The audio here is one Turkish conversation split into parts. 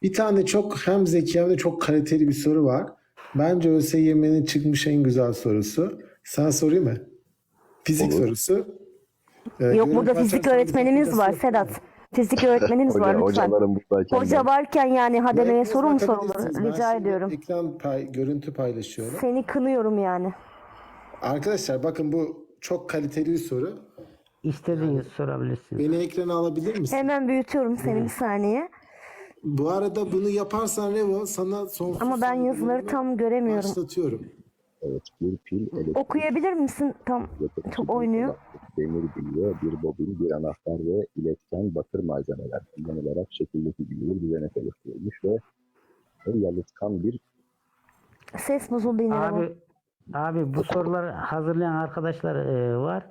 Bir tane çok hem zeki hem de çok kaliteli bir soru var. Bence ÖSYM'nin çıkmış en güzel sorusu. Sana sorayım mı? Fizik Olur. sorusu. Yok, burada Görüntü fizik açarsan bir öğretmenimiz sakıncası var yok değil mi? Sedat. Fizik öğretmenimiz var lütfen. Hocalarım buradayken Hoca ben. varken yani Bu hademeye hepiniz soru mu sorulur? bakabilirsiniz. Ben Rica şimdi ediyorum. görüntü paylaşıyorum. Seni kınıyorum yani. Arkadaşlar bakın bu çok kaliteli bir soru. İstediğiniz sorabilirsiniz. Beni ekrana alabilir misin? Hemen büyütüyorum seni bir saniye. Bu arada bunu yaparsan Revo sana sonsuz Ama ben yazıları saygılarımı tam göremiyorum. başlatıyorum. Evet, bir pil elektrik Okuyabilir misin? Tam çok oynuyor. demir bilye, bir bobin, bir anahtar ve iletken bakır malzemeler kullanılarak şekildeki bir düzenek oluşturulmuş ve yalıtkan bir Ses bozuldu yine. Abi bu soruları hazırlayan arkadaşlar var.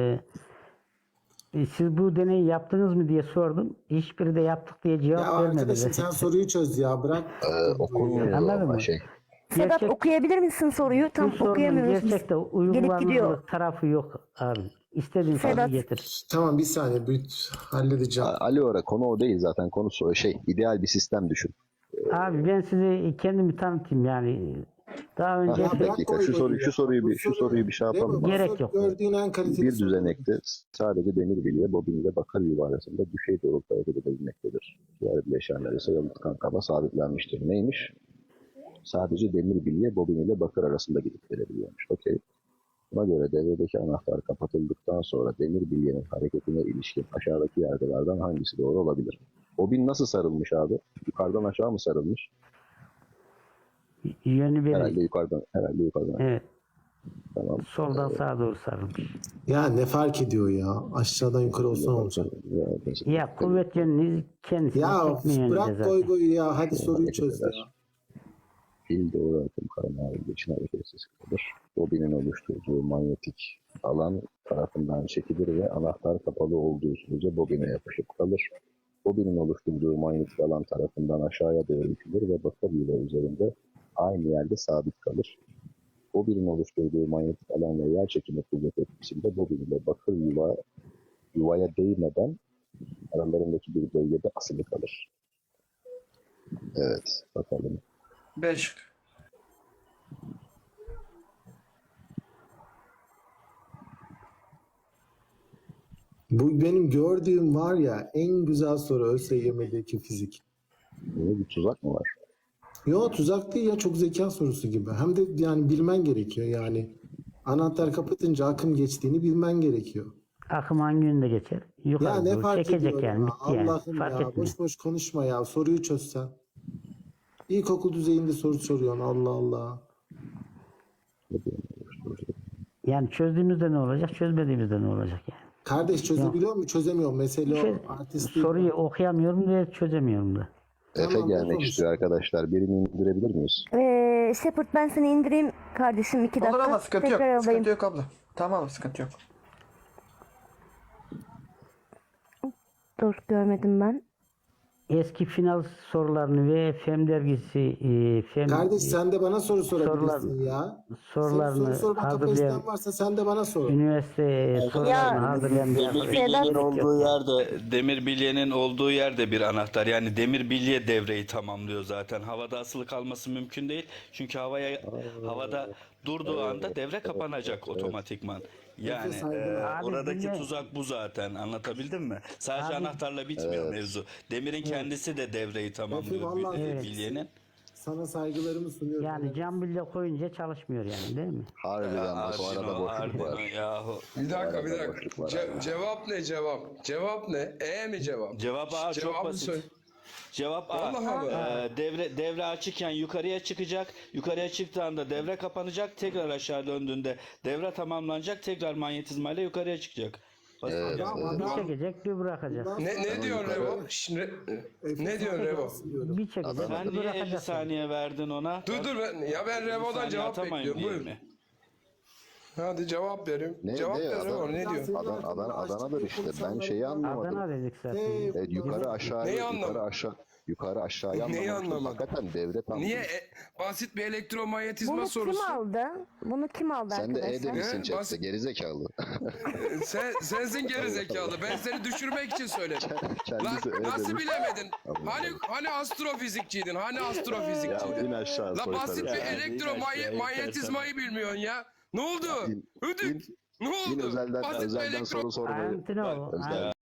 Siz bu deneyi yaptınız mı diye sordum. Hiçbiri de yaptık diye Ya cevap arkadaşım vermediler. sen soruyu çöz ya bırak. okunmuyor Anladın ama mı? Sedat Gerçek- okuyabilir misin soruyu? Bu Tam sorunun okuyamıyoruz biz. gerçekte Gelip uygulanır gidiyor. tarafı yok abi. İstediğin Sedat. soruyu getir. Tamam bir saniye halledeceğim. Ali Ora konu o değil zaten, konu ideal bir sistem düşün. Abi ben size kendimi tanıtayım yani. Daha önce Ya Bir bırak dakika, koy şu koyu ya. soruyu Bu bir şey yapalım. Revo, bu Gerek soru yok. Gördüğün en kaliteli Bir soru. düzenekte sadece demir bilye, bobin ile bakır yuva arasında düşey doğrultuda hareket edebilmektedir. Diğer bileşenler ise yalıtkan kaba sabitlenmiştir. Neymiş? Sadece demir bilye, bobin ile bakır arasında gidip gelebiliyormuş. Okey. Buna göre devredeki anahtar kapatıldıktan sonra demir bilyenin hareketine ilişkin aşağıdaki yargılardan hangisi doğru olabilir? Bobin nasıl sarılmış abi? Yukarıdan aşağı mı sarılmış? yönü belli. Herhalde yukarıdan. Evet. Tamam. Soldan sağa doğru sarılmış. Ya ne fark ediyor ya? Aşağıdan yukarı olsa ne olacak? Ya kuvvet yönünü kendisine Ya çekme yönünde bırak zaten. koy koyu ya. Hadi soruyu çöz ya. Pil doğru akım kaynağı için hareketsiz kalır. Bobinin oluşturduğu manyetik alan tarafından çekilir ve anahtar kapalı olduğu sürece bobine yapışıp kalır. Bobinin oluşturduğu manyetik alan tarafından aşağıya doğru itilir ve bakır yuva üzerinde aynı yerde sabit kalır. Bobinin oluşturduğu manyetik alan ve yer çekimi kuvvet etkisinde bobin ile bakır yuvaya değmeden aralarındaki bir bölgede asılı kalır. Evet, bakalım. 5. Bu benim gördüğüm var ya en güzel soru ÖSYM'deki fizik. Böyle bir tuzak mı var? Yo tuzak değil ya çok zeka sorusu gibi. Hem de yani bilmen gerekiyor yani. Anahtar kapatınca akım geçtiğini bilmen gerekiyor. Akım hangi yönde geçer? Yukarı Ya ne doğru fark çekecek ediyor yani. ya? Bitti yani. Allah'ım Fark ya etmiyor. boş boş konuşma ya. Soruyu çözsen. İlkokul düzeyinde soru soruyorsun Allah Allah. Yani çözdüğümüzde ne olacak? Çözmediğimizde ne olacak yani? Kardeş çözebiliyor mu? Çözemiyor mu? Mesele Şey, o. Artist değil. soruyu okuyamıyorum ve çözemiyorum da. Efe Tamam, gelmek bakalım. istiyor arkadaşlar. Birini indirebilir miyiz? Shepard ben seni indireyim kardeşim 2 dakika. Olur ama sıkıntı yok. Tekrar alayım. Sıkıntı yok abla. Tamam sıkıntı yok. Dur görmedim ben. Eski final sorularını ve FEM dergisi Kardeş sen de bana soru sorabilirsin sorular- ya. sorularını Senin soru sorma hazırlayan kapasiten varsa sen de bana sor. üniversite sorularını hazırlayan bir Demir bilyenin olduğu yerde, demir bilyenin olduğu yerde bir anahtar. Yani demir bilye devreyi tamamlıyor zaten. Havada asılı kalması mümkün değil. Çünkü havada durduğu anda devre kapanacak otomatikman. Yani Abi oradaki bilye- tuzak bu zaten. Anlatabildim mi? Sadece anahtarla bitmiyor mevzu. Demirin kendisi de devreyi tamamlıyor vallahi- bilyenin. Sana saygılarımı sunuyorum. yani cam bilye koyunca çalışmıyor yani değil mi? Harbiden bak, o arada boşluk Ardino var. yahu. Bir dakika. boşluk var Cevap ne cevap? Cevap ne? mi cevap? Cevap A çok Cevabı basit. söyle. Cevap A. Vallahi mi? Devre açıkken yukarıya çıkacak. Yukarıya çıktığında devre kapanacak. Tekrar aşağı döndüğünde devre tamamlanacak. Tekrar manyetizmayla yukarıya çıkacak. Basit. Bir çekecek bir bırakacak. Ne diyor Revo? Ne diyor Revo? Bir çekecek Sen bir niye 50 bırakacak. saniye verdin ona? Dur ben Revo'dan Saniye cevap atamayın bekliyorum. diye Buyur. mi? Hadi cevap verin. Ne, Cevap ne? ver Revo ne diyor? Adana'dır işte. Ben şeyi anlamadım. Adana dedik zaten. Evet, yukarı aşağı, Neyi yukarı anlamadın? aşağı. Yukarı aşağıya Neyi anlamamıştım. anlamadın? Hakikaten devre tam. Niye? Basit bir elektromanyetizma Bunu sorusu. kim aldı? Bunu kim aldı Sen de E arkadaşlar? demişsin He? chatte, Basit- gerizekalı. Sensin geri zekalı. Ben seni düşürmek için söyledim. Lan Kendisi E nasıl demiş. bilemedin? Allah Hani astrofizikçiydin? Hani Ya astrofizikçiydin? in aşağı La basit bir soytarı. elektromanyetizmayı bilmiyorsun ya. Ne oldu? İn- Ödük. Ne oldu? İn özelden Basit bir soru sor. Antino, Özel-